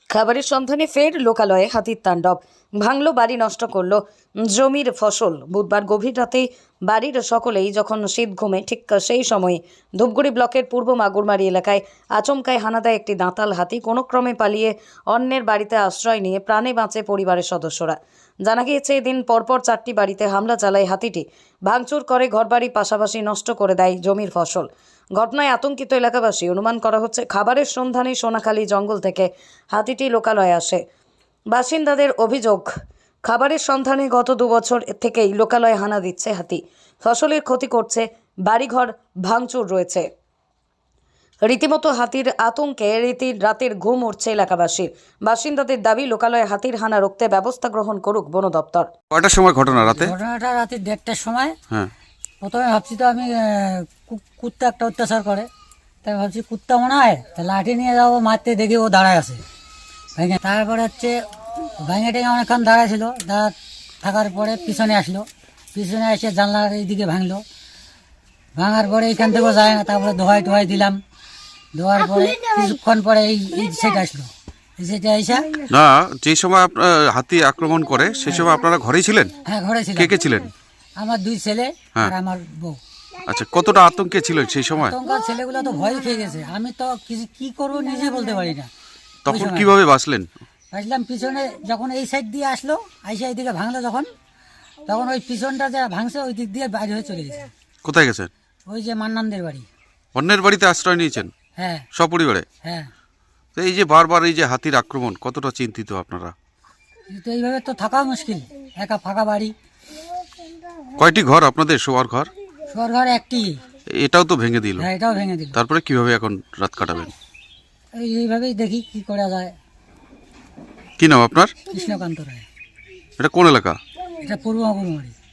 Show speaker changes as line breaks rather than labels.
খাবারের সন্ধানে ফের লোকালয়ে হাতির তাণ্ডব, ভাঙলো বাড়ি, নষ্ট করলো জমির ফসল। বুধবার গভীর রাতে বাড়ির সকলেই যখন শীত ঘুমে, ঠিক সেই সময় ধূপগুড়ি ব্লকের পূর্ব মাগুরমারি এলাকায় আচমকায় হানা দেয় একটি দাঁতাল হাতি। কোনো ক্রমে পালিয়ে অন্যের বাড়িতে আশ্রয় নিয়ে প্রাণে বাঁচে পরিবারের সদস্যরা। জানা গিয়েছে, এদিন পরপর 4টি বাড়িতে হামলা চালায় হাতিটি। ভাঙচুর করে ঘরবাড়ি, পাশাপাশি নষ্ট করে দেয় জমির ফসল। ঘটনায় আতঙ্কিত এলাকাবাসী। অনুমান করা হচ্ছে খাবারের সন্ধানে সোনাখালী জঙ্গল থেকে হাতিটি লোকালয়ে আসে। বাসিন্দাদের অভিযোগ, খাবারের সন্ধানে গত 2 বছর থেকেই লোকালয়ে হানা দিচ্ছে হাতি। ফসলের ক্ষতি করছে, বাড়িঘর ভাঙচুর রয়েছে। রীতিমতো হাতির আতঙ্কে রাতের ঘুম উঠছে এলাকাবাসীর। বাসিন্দাদের দাবি, লোকালয়ে হাতির হানা রুখতে ব্যবস্থা গ্রহণ করুক বন দপ্তর।
কয়টার সময় ঘটনা?
ঘটনাটা রাতে 1:30টার সময়।
হ্যাঁ,
প্রথমে ভাবছি তো আমি কুত্তা একটা অত্যাচার করে, তাই ভাবছি কুত্তা মনে হয়, তা লাঠি নিয়ে যাবো মারতে, দেখি ও দাঁড়ায় আছে ভেঙে। তারপরে ভেঙে টেঙে অনেকক্ষণ দাঁড়ায় ছিল, থাকার পরে পিছনে আসলো, পিছনে এসে জানলার এইদিকে ভাঙলো। ভাঙার পরে এইখান থেকেও যায় না। তারপরে ধোয়াই দিলাম, ধোয়ার পরে কিছুক্ষণ পরে এই সেটা আসলো, সেটা এসে।
না, যে সময় হাতি আক্রমণ করে সেই সময় আপনারা ঘরেই ছিলেন?
হ্যাঁ, ঘরে ছিল।
কে কে ছিলেন?
আমার 2 ছেলে আর আমার বউ।
আচ্ছা, কতটা আতঙ্কে ছিল সেই সময়?
আতঙ্কার ছেলেগুলো তো ভয় খেয়ে গেছে। আমি তো কি করবো নিজে বলতে পারি না।
তখন কিভাবে বাঁচলেন?
আসলাম পিছনে, যখন এই সাইড দিয়ে আসলো, আইসা এইদিকে ভাঙলো তখন ওই পিছনটা যা ভাঙছে ওই দিক দিয়ে বাইরে হয়ে চলে গেছে।
কোথায় গেছেন?
ওই যে মান্নানদের বাড়ি।
অন্যের বাড়িতে আশ্রয় নিয়েছেন
হ্যাঁ,
সপরিবারে?
হ্যাঁ।
তো এই যে বারবার এই যে হাতির আক্রমণ, কতটা চিন্তিত আপনারা?
তো এইভাবে তো থাকা মুশকিল, একা ফাঁকা বাড়ি।
কয়টি ঘর আপনাদের? শোয়ার ঘর?
শোয়ার ঘর একটি।
এটাও তো ভেঙে দিল।
হ্যাঁ, এটাও ভেঙে দিল।
তারপরে কিভাবে এখন রাত কাটাবেন?
এইভাবেই দেখি কি করা যায়।
কি নাম আপনার?
কৃষ্ণকান্ত রায়।
এটা কোন এলাকা?
এটা পূর্ব মাগুরমারি।